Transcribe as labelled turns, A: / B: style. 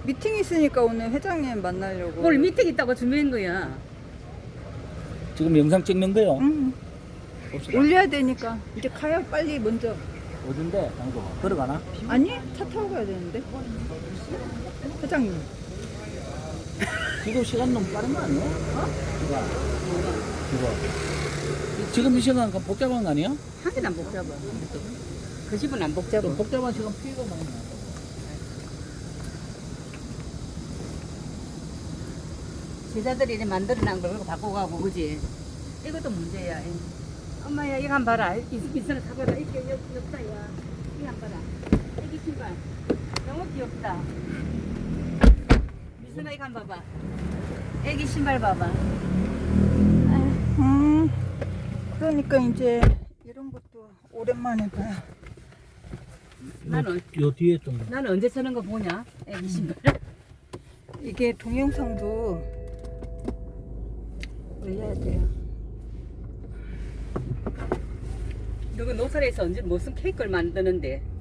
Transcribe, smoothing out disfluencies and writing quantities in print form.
A: 미팅 있으니까 오늘 회장님 만나려고.
B: 오늘 미팅 있다고 준비한 거야.
C: 지금 영상 찍는 거요?
A: 응.
C: 봅시다.
A: 올려야 되니까 이제 가요 빨리 먼저.
C: 어딘데 장소? 들어가나?
A: 아니 차 타고 가야 되는데. 회장님.
C: 지금 시간 너무 빠른 거 아니야? 이거 지금 이 시간 복잡한 거 아니야?
B: 한 개도 안 복잡아. 그 집은 안 복잡아.
C: 좀 복잡한 시간 피해가 많이 나.
B: 제자들이 이제 만들어놓은 걸 갖고 가고, 그지? 이것도 문제야. 엄마야, 이거 한 번 봐라. 이선을 타봐라. 이게 귀엽다, 야. 이거 한 번 봐라. 애기 신발. 너무 귀엽다. 미선아, 이거 한 번 봐봐. 애기 신발 봐봐.
A: 그러니까 이제 이런 것도 오랜만에 봐요.
B: 나는,
C: 요 뒤에 좀.
B: 나는 언제 쓰는 거 보냐? 애기 신발.
A: 이게 동영상도 올려야 돼요.
B: 너가 노사에서 언제 무슨 케이크를 만드는데?